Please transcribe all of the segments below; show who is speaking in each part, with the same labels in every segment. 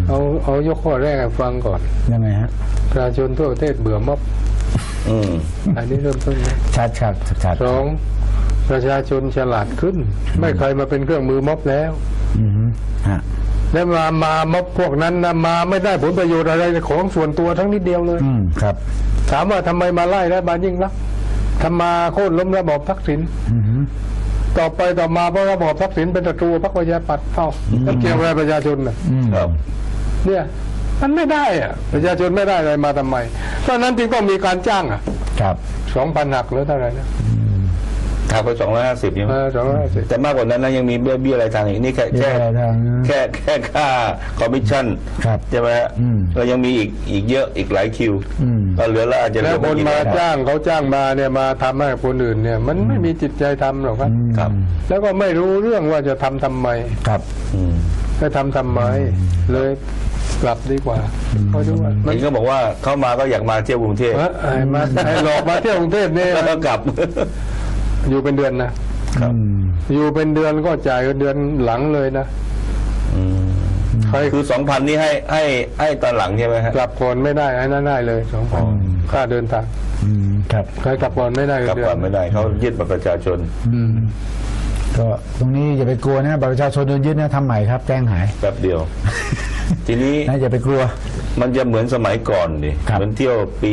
Speaker 1: เอายกข้อแรกให้ฟังก่อน
Speaker 2: ยังไงฮะ
Speaker 1: ประชาชนทั่วประเทศเบื่อม็อบอันนี้เริ่มต้นนะ
Speaker 2: ชัด
Speaker 1: สองประชาชนฉลาดขึ้นไม่เคยมาเป็นเครื่องมือม็อบแล้วแล้วมาม็อบพวกนั้นนะมาไม่ได้ผลประโยชน์อะไรของส่วนตัวทั้งนิดเดียวเลย
Speaker 2: ครับ
Speaker 1: ถามว่าทำไมมาไล่รัฐบาลยิ่งรักทำมาโค่นล้มระบอบทักษิณต่อไปต่อมาเพราะระบอบทักษิณเป็นศัตรูพรรคประชาธิปัตย์เท่าแล้วเกี่ยวอะไรประชาชนน่ะเนี่ยมันไม่ได้อะประชาชนไม่ได้อะไรมาทำไมเพราะนั้นจึงต้องมีการจ้าง
Speaker 2: ครับ
Speaker 1: 2,000หักหรือเท่าไหร่นะ
Speaker 3: หักไป250ใช่ไหม
Speaker 1: 250
Speaker 3: แต่มากกว่านั้นนะยังมีเบี้ยอะไรทางอีกนี่แค่ค่าคอมมิชชั่นใช่ไหมเรายังมีอีกเยอะอีกหลายคิวก็เหลือละอาจจะ
Speaker 1: แล้วคนมาจ้างเขาจ้างมาเนี่ยมาทำให้คนอื่นเนี่ยมันไม่มีจิตใจทำหรอกครับแล้วก็ไม่รู้เรื่องว่าจะทำไม
Speaker 2: ครับ
Speaker 1: จะทำไมเลยกลับดีกว่าเขาดูว่า
Speaker 3: มันก็บอกว่าเข้ามาก็อยากมาเที่ยวกรุงเทพ
Speaker 1: มาหลอกมาเที่ยวกรุงเทพเนี่ย
Speaker 3: แล้วก็กลับ
Speaker 1: อยู่เป็นเดือนนะครับอยู่เป็นเดือนก็จ่ายเดือนหลังเลยนะ
Speaker 3: คือ 2,000 นี่ให้ตอนหลังใช่ไหมฮะ
Speaker 1: กลับก่อนไม่ได้ให้นั่นได้เลย 2,000 ค่าเดินทาง
Speaker 2: ครับ
Speaker 1: ใครกลับก่อนไม่ได้
Speaker 3: กลับก่อนไม่ได้เขายึดบัตรประชาชน
Speaker 2: ก็ตรงนี้อย่าไปกลัวนะบัตรประชาชนโดนยึดนะทำใหม่ครับแจ้งหาย
Speaker 3: แป๊บเดียวทีนี้
Speaker 2: อย่าไปกลัว
Speaker 3: มันจะเหมือนสมัยก่อนดิเหมือนเที่ยวปี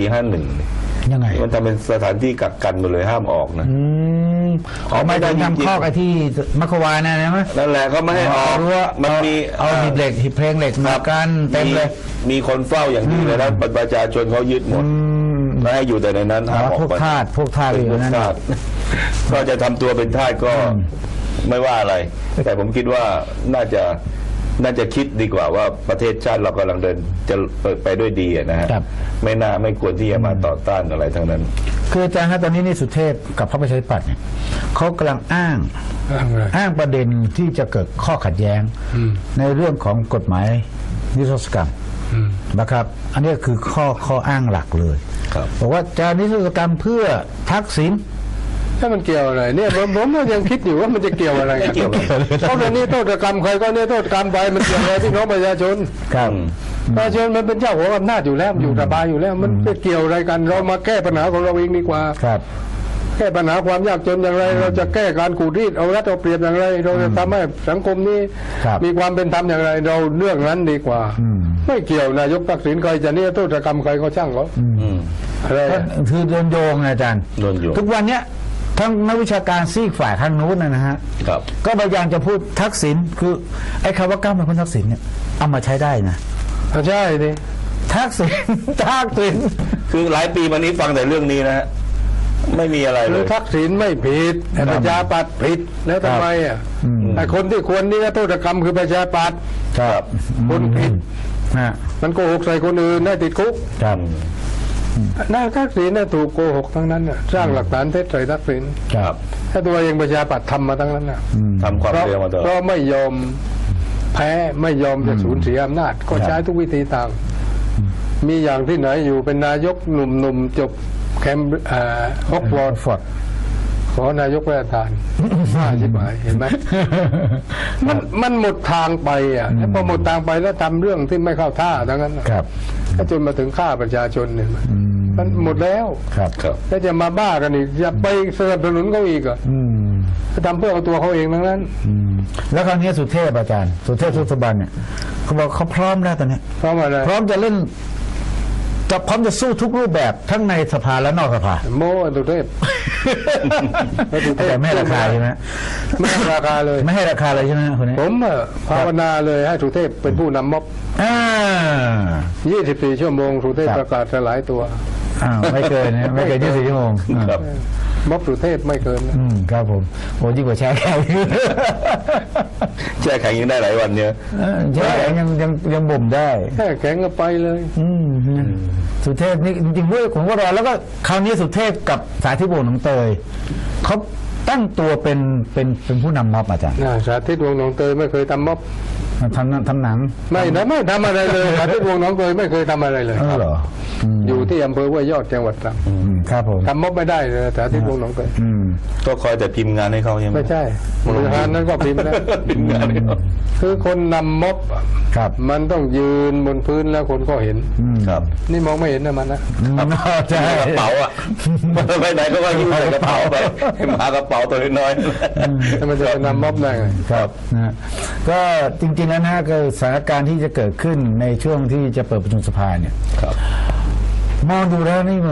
Speaker 3: 51
Speaker 2: ยังไง
Speaker 3: มันทำเป็นสถานที่กักกันหมดเลยห้ามออกนะ
Speaker 2: ไม่ได้ทำข้อไอ้ที่มัคควานนะไหม
Speaker 3: นั่นแหละเขาไม่ให้ออกมันมี
Speaker 2: เอาหีบเหล็กหีบเพลงเหล็กมากันเต็มเลย
Speaker 3: มีคนเฝ้าอย่างนี้เลยแล้วประชาชนเขายึดหมดไม่ให้อยู่แต่ในนั้นห้ามออก
Speaker 2: พวกทาสอยู่นั้น
Speaker 3: ก็จะทำตัวเป็นทาสก็ไม่ว่าอะไรแต่ผมคิดว่าน่าจะคิดดีกว่าว่าประเทศชาติเรากำลังเดินจะไปด้วยดีนะฮะไม่ควรที่จะมาต่อต้านอะไรทั้งนั้น
Speaker 2: คืออาจารย์ฮะตอนนี้นี่สุเทพกับพรรคประชาธิปัตย์เนี่ยเขากำลังอ้างประเด็นที่จะเกิดข้อขัดแย้งในเรื่องของกฎหมายนิรโทษกรรมนะครับอันนี้คือข้ออ้างหลักเลยบอกว่าจะนิรโทษกรรมเพื่อทักษิณ
Speaker 1: ถ้ามันเกี่ยวอะไรเนี่ยผมก็ยังคิดอยู่ว่ามันจะเกี่ยวอะไรกันเพราะตอนนี้โทษกรรมใครก็เนี่ยโทษกรรมไปมันเกี่ยวอะไรพี่น้องประชาชนประชาชนมันเป็นเจ้าของอำนาจอยู่แล้วอยู่สบายอยู่แล้วมันไปเกี่ยวอะไรกันเรามาแก้ปัญหาของเราเองดีกว่าแก้ปัญหาความยากจนอย่างไรเราจะแก้การขูดรีดเอารัดเอาเปรียบอย่างไรเราจะทำให้สังคมนี้มีความเป็นธรรมอย่างไรเราเรื่องนั้นดีกว่าไม่เกี่ยวนายกทักษิณใครจะเนี่ยโทษกรรมใครก็ช่างเขา
Speaker 2: อะไรคือโดนโยงอาจารย์ทุกวันเนี้ยทั้งนักวิชาการซีกฝ่ายทางนู้นนะฮะก็พยายามจะพูดทักษิณคือไอ้คำว่าก้าวเป็นคนทักษิณเนี่ยเอามาใช้ได้นะ
Speaker 1: ใช่ดิ
Speaker 2: ทักษิณ
Speaker 3: คือหลายปีมานี้ฟังแต่เรื่องนี้นะฮะไม่มีอะไรเลย
Speaker 1: ทักษิณไม่ผิดประชาปัตย์ผิดแล้วทำไมไอ้คนที่ควรนี่โทษกรรมคือประชาปัตย์คนผิดมันโกหกใส่คนอื่นได้ติดคุกนายทักษิณถูกโกหกทั้งนั้นสร้างหลักฐานเท็จใส่ทักษิณถ้าตัวเองประชาปัตย์ทำมาทั้งนั้น
Speaker 3: ทำความเร็วมาตลอด
Speaker 1: เพราะไม่ยอมแพ้ไม่ยอมจะสูญเสียอำนาจก็ใช้ทุกวิธีต่างมีอย่างที่ไหนอยู่เป็นนายกหนุ่มๆจบแคมป์ฮอกวอตส์ขอนายกประธานใช่ไหมเห็นไหมมันหมดทางไปพอหมดทางไปแล้วทำเรื่องที่ไม่เข้าท่าทั้งนั้นก็จนมาถึงฆ่าประชาชนเนี่ยมันหมดแล้วแล้วจะมาบ้ากันอีกจะไปสนับสนุนเขาอีกจะทำเพื่อเอาตัวเขาเองทั้งนั้น
Speaker 2: แล้วคราวนี้สุเทพอาจารย์สุเทพสุสบันเนี่ยเขาบอกเขาพร้อมแล้วตอนนี้
Speaker 1: พร้อมอะไร
Speaker 2: พร้อมจะเล่นจะพร้อมจะสู้ทุกรูปแบบทั้งในสภาและนอกสภา
Speaker 1: โม่สุเทพ
Speaker 2: แต่ไม่ให้ราคาใช่ไหม
Speaker 1: ไม่ให้ราคาเลย
Speaker 2: ไม่ให้ราคาเลยใช่ไหมคนนี้
Speaker 1: ผมภาวนาเลยให้สุเทพเป็นผู้นำม็อบ24 ชั่วโมงสุเทพประกาศสลายตัว
Speaker 2: ไม่เกินนะไม่เกิน24 ชั่วโมง
Speaker 1: ม็อบสุเทพไม่เกิน
Speaker 2: ครับผมโอ้ยิ่งกว่าแช่แข็ง
Speaker 3: แช่แข็งยังได้หลายวันเนี่ย
Speaker 2: แช่แข็งยังบ่มได้
Speaker 1: แช่แข็งก็ไปเลย
Speaker 2: สุเทพนี่จริงๆด้วยผมก็รอแล้วก็คราวนี้สุเทพกับสาธิตวงศ์หนองเตยเขาตั้งตัวเป็นผู้นำม็อบอาจารย์
Speaker 1: สาธิตวงศ์หนองเตยไม่เคยทำม็อบ
Speaker 2: ทำหนัง
Speaker 1: ไม่ทำอะไรเลยสาธิตวงศ์หนองเตยไม่เคยทำอะไรเลย
Speaker 2: เหรอ
Speaker 1: อยู่ที่อำเภอห้วยยอดจังหวัดตรัง
Speaker 2: ครับผม
Speaker 1: ทำม็อบไม่ได้เลยสาธิตวงศ์หนองเตย
Speaker 3: ก็คอยแต่พิมพ์งานให้เขาใช่ไหม
Speaker 1: ไม่ใช่บริหารนั้นก็พิมพ์แล้ว
Speaker 3: พิมพ์งานให้เขา
Speaker 1: คือคนนำม็อบ
Speaker 2: ครับ
Speaker 1: มันต้องยืนบนพื้นแล้วคนก็เห็น
Speaker 3: ครับ
Speaker 1: นี่มองไม่เห็นนะมันนะ
Speaker 2: ใช่
Speaker 3: กระเป๋าอ่ะไปไหนก็ว่ายิ้มใส่กระเป๋าไปให้หมากระเป๋าตัวน้อย
Speaker 1: แล้วมันจะไปนำม็อบได้ไง
Speaker 2: ครับนะก็จริงๆแล้วนะก็สถานการณ์ที่จะเกิดขึ้นในช่วงที่จะเปิดประชุมสภาเนี่ย
Speaker 3: ครับ
Speaker 2: มองดูแล้วนี่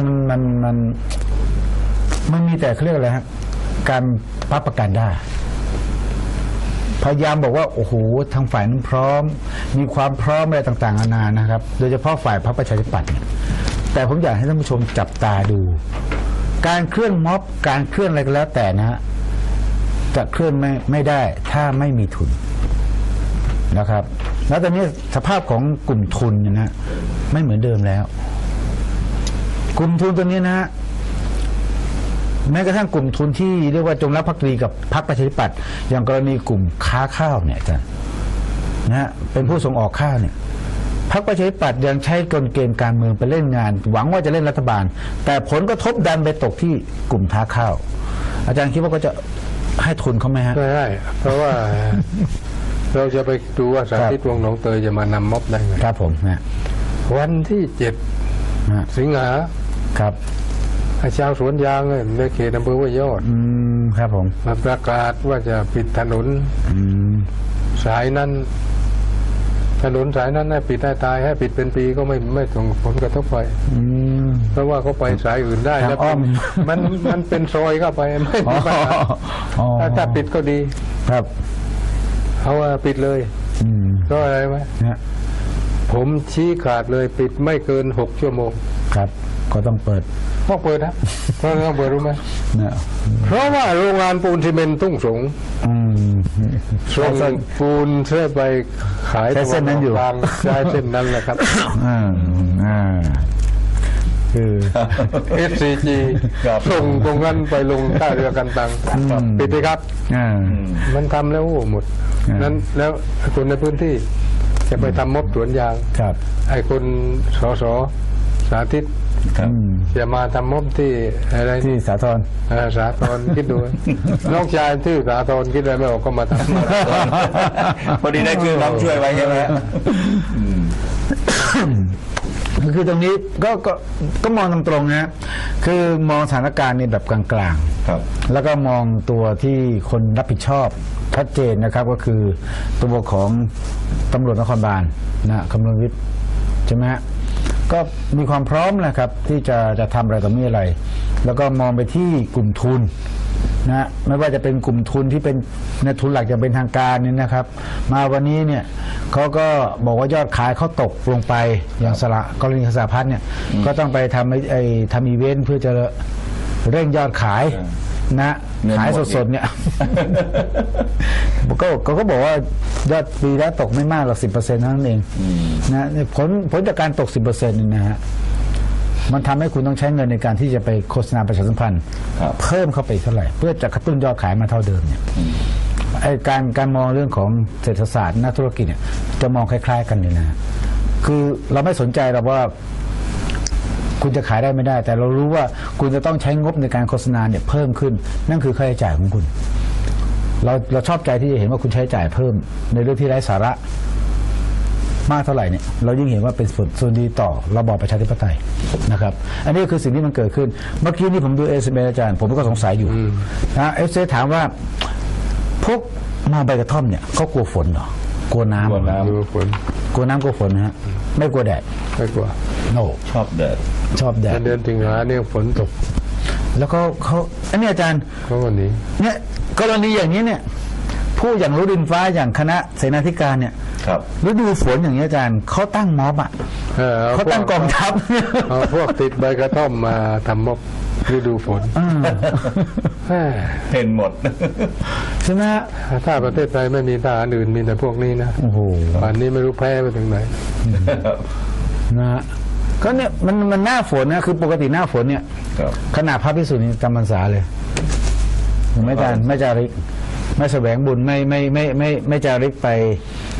Speaker 2: มันมีแต่เขาเรียกอะไรฮะการพับประกันได้พยายามบอกว่าโอ้โหทางฝ่ายนั้นพร้อม มีความพร้อมอะไรต่างๆนานานะครับ โดยเฉพาะฝ่ายพรรคประชาธิปัตย์เนี่ยแต่ผมอยากให้ท่านผู้ชมจับตาดู การเคลื่อนม็อบการเคลื่อนอะไรก็แล้วแต่นะฮะจะเคลื่อนไม่ได้ถ้าไม่มีทุนนะครับ แล้วตอนนี้สภาพของกลุ่มทุนเนี่ยนะไม่เหมือนเดิมแล้ว กลุ่มทุนตัวนี้นะฮะแม้กระทั่งกลุ่มทุนที่เรียกว่าจงรักภักดีกับพรรคประชาธิปัตย์อย่างกรณีกลุ่มค้าข้าวเนี่ยจ้ะนะฮะเป็นผู้ส่งออกข้าวเนี่ยพรรคประชาธิปัตย์ยังใช้กลเกมการเมืองไปเล่นงาน หวังว่าจะเล่นรัฐบาล แต่ผลกระทบดันไปตกที่กลุ่มค้าข้าว อาจารย์คิดว่าก็จะให้ทุนเขาไหมฮะ
Speaker 1: ไม่ได้เพราะว่า เราจะไปดูว่าสาธิตวงศ์หนองเตยจะมานำม็อบได้ไง
Speaker 2: ครับผมนะ
Speaker 1: วันที่7
Speaker 2: ฮะ
Speaker 1: สิงหา
Speaker 2: ครับ
Speaker 1: ชาวสวนยางในเขตอำเภอห้วยยอด
Speaker 2: ครับผม
Speaker 1: มาประกาศว่าจะปิดถนนสายนั้น ถนนสายนั้นให้ปิดให้ตายให้ปิดเป็นปีก็ไม่ส่งผลกระทบไปเพราะว่าเขาไปสายอื่นได้
Speaker 2: ทาง
Speaker 1: แล้ว
Speaker 2: อ้อม
Speaker 1: มันเป็นซอยเข้าไปไม่มีปัญหา
Speaker 2: อ๋อ
Speaker 1: ถ้าปิดก็ดี
Speaker 2: ครับ
Speaker 1: เขาว่าปิดเลยก็อะไรไหม
Speaker 2: นะ
Speaker 1: ผมชี้ขาดเลยปิดไม่เกิน6 ชั่วโมง
Speaker 2: ครับ ก็ต้องเปิด
Speaker 1: ต้องเปิดนะเพราะต้องเปิดรู้ไหม
Speaker 2: นะ
Speaker 1: เพราะว่าโรงงานปูนซีเมนต์ทุ่งสง ส่งปูนเสื้อไปขาย
Speaker 2: ใช้เส้นนั้นอยู่
Speaker 1: กลางใช้เส้นนั้นแหละครับ
Speaker 2: คือ
Speaker 1: SCG
Speaker 3: ครับ
Speaker 1: ส่งตรงนั้นไปลงท่าเรือกันตังปิดไปครับ มันทำแล้วหมด นั้นแล้วคนในพื้นที่จะไปทำม็อบสวนยาง
Speaker 2: ครับ
Speaker 1: ไอ้คนสสสาธิต
Speaker 3: ครับ
Speaker 1: จะมาทำม็อบที่อะไร
Speaker 2: ที่สาทร
Speaker 1: สาธรคิดดู น้องชายที่สาธรคิดอะไรไม่ออกก็มาทำ
Speaker 3: พอดีได้คือน้องช่วยไว้ใช่ไหมฮะ
Speaker 2: คือตรงนี้ก็มองตรงๆนะคือมองสถานการณ์นี่แบบกลางๆ
Speaker 3: ครับ
Speaker 2: แล้วก็มองตัวที่คนรับผิดชอบชัดเจนนะครับ ก็คือตัวของตำรวจนครบาลนะคำนวณวิทย์ใช่ไหมฮะก็มีความพร้อมนะครับ ที่จะทำอะไรต่อมีอะไร แล้วก็มองไปที่กลุ่มทุนนะไม่ว่าจะเป็นกลุ่มทุนที่เป็นในทุนหลักอย่างเป็นทางการเนี่ยนะครับ มาวันนี้เนี่ยเขาก็บอกว่ายอดขายเขาตกลงไปอย่างกรณีสหพัฒน์เนี่ยก็ต้องไปทำอีเวนต์เพื่อจะเร่งยอดขายนะ
Speaker 3: เงินหมด
Speaker 2: ขายสดๆเนี่ยก็บอกว่ายอดปีแล้วตกไม่มากหรอก 10% เท่านั้นเองนะผลจากการตก 10% นี่นะฮะมันทำให้คุณต้องใช้เงินในการที่จะไปโฆษณาประชาสัมพันธ์
Speaker 3: ครับ
Speaker 2: เพิ่มเข้าไปเท่าไหร่ เพื่อจะกระตุ้นยอดขายมาเท่าเดิมเนี่ยไอ้การมองเรื่องของเศรษฐศาสตร์นักธุรกิจเนี่ยจะมองคล้ายๆกันเลยนะคือเราไม่สนใจหรอกว่าคุณจะขายได้ไม่ได้ แต่เรารู้ว่าคุณจะต้องใช้งบในการโฆษณาเนี่ยเพิ่มขึ้น นั่นคือค่าใช้จ่ายของคุณ เราชอบใจที่จะเห็นว่าคุณใช้จ่ายเพิ่มในเรื่องที่ไร้สาระมากเท่าไหร่เนี่ยเรายิ่งเห็นว่าเป็นส่วนดีต่อระบอบประชาธิปไตยนะครับ อันนี้คือสิ่งที่มันเกิดขึ้นเมื่อกี้นี่ผมดูSMSอาจารย์ผมก็สงสัยอยู่นะSMSถามว่าพวกมองใบกระท่อมเนี่ยเขากลัวฝนเหรอกลัวน้ำ
Speaker 3: กลัวน้ำ
Speaker 1: ดูฝน
Speaker 2: กลัวน้ำกลัวฝนนะฮะไม่กลัวแดด
Speaker 1: ไม่กลัว
Speaker 2: โน
Speaker 3: ชอบแดด
Speaker 2: ชอบแดด
Speaker 1: แต่เดือนสิงหาเนี่ยฝนตก
Speaker 2: แล้วก็เขาอันนี้อาจารย์
Speaker 1: เขาวันนี้
Speaker 2: เนี่ยกรณีอย่างนี้เนี่ยผู้อย่างรู้ดินฟ้าอย่างคณะเสนาธิการเนี่ย
Speaker 3: ครับ
Speaker 2: ฤดูฝนอย่างนี้อาจารย์เขาตั้งม็อบอ่ะเขาตั้งกองทัพ
Speaker 1: เอาพวกติดใบกระท่อมมาทำม็อบฤดูฝนแม่
Speaker 3: เห็นหมด
Speaker 2: ใช่ไหมฮะ
Speaker 1: ถ้าประเทศไทยไม่มีทหารอื่นมีแต่พวกนี้นะ
Speaker 2: โอ้โห
Speaker 1: ป่านนี้ไม่รู้แพ้ไปถึงไหน
Speaker 2: นะฮะก็เนี่ยมันหน้าฝนนะคือปกติหน้าฝนเนี่ย
Speaker 3: ครับ
Speaker 2: ขนาดพระภิกษุนี่จำพรรษาเลยไม่จาริกไม่แสวงบุญไม่จาริกไป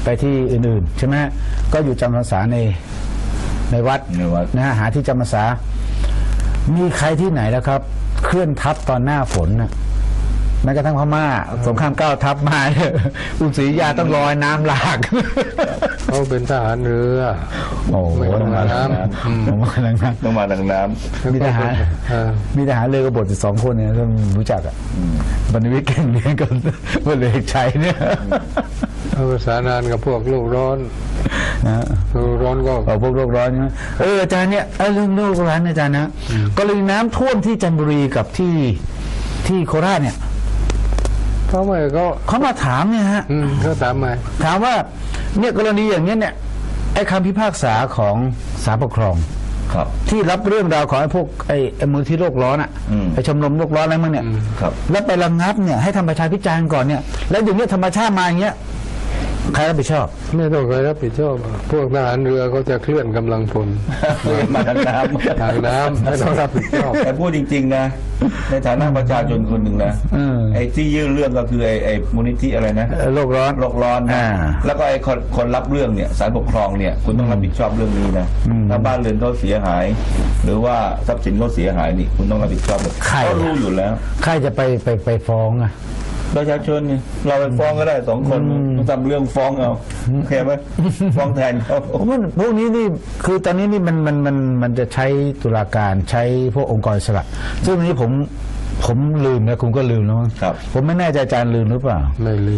Speaker 2: ไปที่อื่นๆใช่ไหมก็อยู่จำพรรษาในวัด
Speaker 3: ในวัด
Speaker 2: นะฮะหาที่จำพรรษามีใครที่ไหนแล้วครับ เคลื่อนทัพตอนหน้าฝนนะแม้กระทั่งพม่าสงคราม9 ทัพมาเนี่ยอุศรียาต้องลอยน้ำหลาก
Speaker 1: เขาเป็นทหารเรือ
Speaker 2: โอ้โห
Speaker 1: ไม่ต้องมาน้ำ
Speaker 2: ต้องมาทางน้
Speaker 3: ต้องมาทางน้ำ
Speaker 2: ำมีทหาร มีทหารเรือกบฏอยู่2 คนเนี่ยต้องรู้จักอ่ะบรรณวิทย์เก่งเรียนกับพลเอกชัยเนี่ย
Speaker 1: เขาประสานงานกับพวกโลกร้อน
Speaker 2: นะ
Speaker 1: โลกร้อนก็
Speaker 2: เอาพวกโลกร้อนใช่ไหมอาจารย์เนี่ยเรื่องโลกร้อนอาจารย์นะกรณีน้ำท่วมที่จันทบุรีกับที่โคราชเนี่ย
Speaker 1: เขาไม่ก็
Speaker 2: เขามาถามเนี่ยฮะ
Speaker 1: เขาถามมา
Speaker 2: ถามว่าเนี่ยกรณีอย่างเนี้ยเนี่ยไอ้คำพิพากษาของศาลปกครอง
Speaker 3: ครับ
Speaker 2: ที่รับเรื่องราวของไอ้พวกไอ้มูลที่โลกร้อนอ่ะ
Speaker 3: อืม
Speaker 2: ไอ้ชมรมโลกร้อนอะไรมั่งเนี่ย
Speaker 3: ครับ
Speaker 2: แล้วไประงับเนี่ยให้ทำประชาพิจารณ์ก่อนเนี่ยแล้วอย่างเนี้ยธรรมชาติมาอย่างเงี้ยใครรับผิดชอบ
Speaker 1: ไม่ต้องใครรับผิดชอบพวกทหารเรือเขาจะเคลื่อนกำลังพล
Speaker 3: มาทางน้ำ
Speaker 1: ทางน้ำไม่ต้องรับผิดชอบ
Speaker 3: แต่พูดจริงๆนะ ในฐานะประชาชนคนหนึ่งนะ ไอ้ที่ยื่นเรื่องก็คือไอ้มูลนิธิอะไรนะ
Speaker 2: โลกร้อน
Speaker 3: โลกร้อนนะ
Speaker 2: อ่า
Speaker 3: แล้วก็ไอ้คนรับเรื่องเนี่ยศาลปกครองเนี่ยคุณต้องรับผิดชอบเรื่องนี้นะถ้าบ้านเรือนเขาเสียหาย หรือว่าทรัพย์สินเขาเสียหายนี่คุณต้องรับผิดชอบ
Speaker 2: ใคร
Speaker 3: เขารู้อยู่แล้ว
Speaker 2: ใครจะไปฟ้องอ่ะ
Speaker 3: ประชาชนนี่เราไปฟ้องก็ได้2 คนต้องทำเรื่องฟ้องเอาโอเคไหมฟ้องแทนเขา
Speaker 2: พวกนี้นี่คือตอนนี้นี่มันจะใช้ตุลาการใช้พวกองค์กรอิสระซึ่งอันนี้ผมลืมนะคุณก็ลืมแล้วมั้ง
Speaker 3: ครับ
Speaker 2: ผมไม่แน่ใจอาจารย์ลืมหรือเปล่า
Speaker 1: ไม่ลืม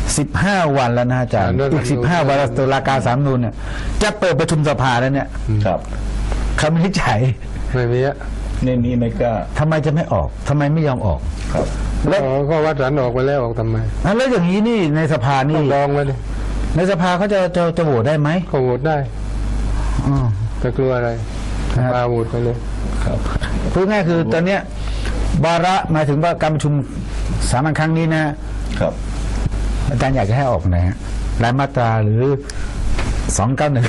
Speaker 2: 15 วันแล้วนะอาจารย์อีก15 วันแล้วตุลาการศาลรัฐธรรมนูญเนี่ยจะเปิดประชุมสภาแล้วเนี่ย
Speaker 3: ครับ
Speaker 2: คำวินิจฉัย
Speaker 1: ไม่มีอะ
Speaker 3: ในนี้ไม่กล้า
Speaker 2: ทำไมจะไม่ออกทำไมไม่ยอมออก
Speaker 3: ครับ
Speaker 2: แล้ว
Speaker 1: ก็วัดสันออกไปแล้วออกทำไม
Speaker 2: แล้วอย่างนี้นี่ในสภา
Speaker 1: ต้
Speaker 2: นี่
Speaker 1: องลองไว้ดิ
Speaker 2: ในสภาเขาจะโหวตได้ไหม
Speaker 1: เขาโหวตได้
Speaker 2: อ๋อ
Speaker 1: จะกลัวอะไร
Speaker 2: ครับ
Speaker 1: มาโหวตไปเลย
Speaker 3: ครับ
Speaker 2: พูดง่ายคือตอนเนี้ย วาระหมายถึงว่าการประชุมสามัญครั้งนี้นะ
Speaker 3: ครับ
Speaker 2: อาจารย์อยากจะให้ออกไหนฮะรายมาตราหรือ 291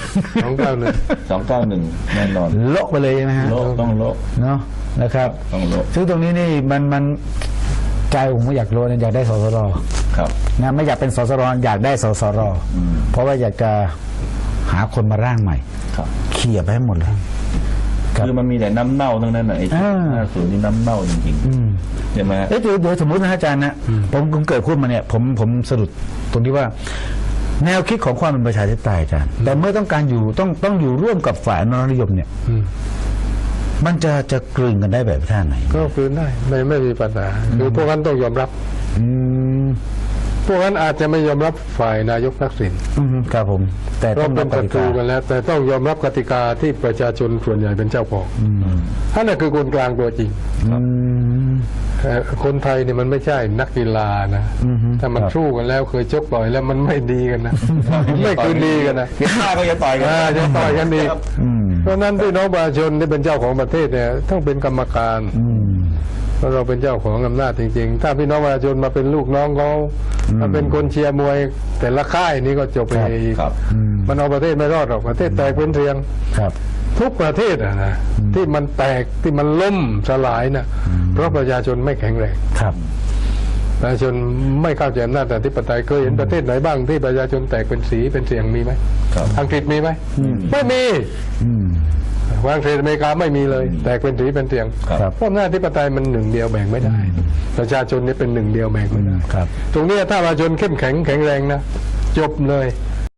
Speaker 3: 291แน่นอน
Speaker 2: โละไปเลยใช่ไหมฮะ
Speaker 3: โลกต้องโลก
Speaker 2: เนาะนะครับ
Speaker 3: ต้องโลก
Speaker 2: ซึ่งตรงนี้นี่มันใจผมก็อยากโลนะอยากได้สสร
Speaker 3: ครับ
Speaker 2: นะไม่อยากเป็นสสรอยากได้สสรเพราะว่าอยากจะหาคนมาร่างใหม่
Speaker 3: ครับ
Speaker 2: เขี่ยไปให้หมดเลย ครับ
Speaker 3: คือมันมีแต่น้ำเน่าทั้งนั้นน่ะไอ้ที่ 50นี่น้ำเน่าจริงๆใช่ไหมฮะ
Speaker 2: เดี๋ยวสมมตินะอาจารย์นะผมเกิดพูดมาเนี่ยผมสรุปตรงที่ว่า แนวคิดของความเป็นประชาธิปไตยอาจารย์แต่เมื่อต้องการอยู่ต้องอยู่ร่วมกับฝ่ายอนุรักษ์นิยมเนี่ยมันจะกลืนกันได้แบบท่าไหน
Speaker 1: ก็คืนได้ไม่มีปัญหาคือพวกนั้นต้องยอมรับ
Speaker 2: อืม
Speaker 1: พวกนั้นอาจจะไม่ยอมรับฝ่ายนายกทักษิณ
Speaker 2: ครับผม แต่
Speaker 1: เพ
Speaker 2: ต้อ
Speaker 1: ราะ
Speaker 2: ง
Speaker 1: เป็
Speaker 2: รั
Speaker 1: น
Speaker 2: บก
Speaker 1: ศั
Speaker 2: ติ
Speaker 1: ตรู
Speaker 2: กา
Speaker 1: กันแล้ว แต่ต้องยอมรับกติกาที่ประชาชนส่วนใหญ่เป็นเจ้าของนั่นแหละคือคนกลางตัวจริง
Speaker 2: อืม
Speaker 1: คนไทยเนี่ยมันไม่ใช่นักกีฬานะถ้ามัน
Speaker 2: ครับ
Speaker 1: สู้กันแล้วเคยชกต่อยแล้วมันไม่ดีกันนะ ไม่คืนดีกันนะ
Speaker 3: เพียงหน้าก็จะต่อยกัน
Speaker 1: จะต่อยกันดีก
Speaker 2: อืม
Speaker 1: เพราะฉะนั้นพี่น้องประชาชนที่เป็นเจ้าของประเทศเนี่ยต้องเป็นกรรมการ
Speaker 2: อืม
Speaker 1: เพราะเราเป็นเจ้าของอำนาจจริงๆ ถ้าพี่น้องประชาชนมาเป็นลูกน้องเขามาเป็นคนเชียร์มวย แต่ละค่ายนี่ก็จบไปอีก
Speaker 3: ครับ
Speaker 1: มันเอาประเทศไม่รอดหรอกประเทศแตกเป็นเรียง
Speaker 2: ครับ
Speaker 1: ทุกประเทศอะนะที่มันแตกที่มันล่มสลายนะเพราะประชาชนไม่แข็งแรง
Speaker 2: ครับ
Speaker 1: ประชาชนไม่เข้าใจอำนาจอธิปไตยเคยเห็นประเทศไหนบ้างที่ประชาชนแตกเป็นสีเป็นเสียงมีไหม
Speaker 3: ครับ
Speaker 1: อังกฤษมีไหมไม่มี
Speaker 2: อืม
Speaker 1: อังกฤษอเมริกาไม่มีเลย แตกเป็นสีเป็นเสียง
Speaker 3: ครับ
Speaker 1: เพราะอำนาจอธิปไตยมันหนึ่งเดียวแบ่งไม่ได้ ประชาชนนี่เป็นหนึ่งเดียวแบ่งไม่ได้
Speaker 2: ครับ
Speaker 1: ตรงนี้ถ้าประชาชนเข้มแข็งแข็งแรงนะจบเลย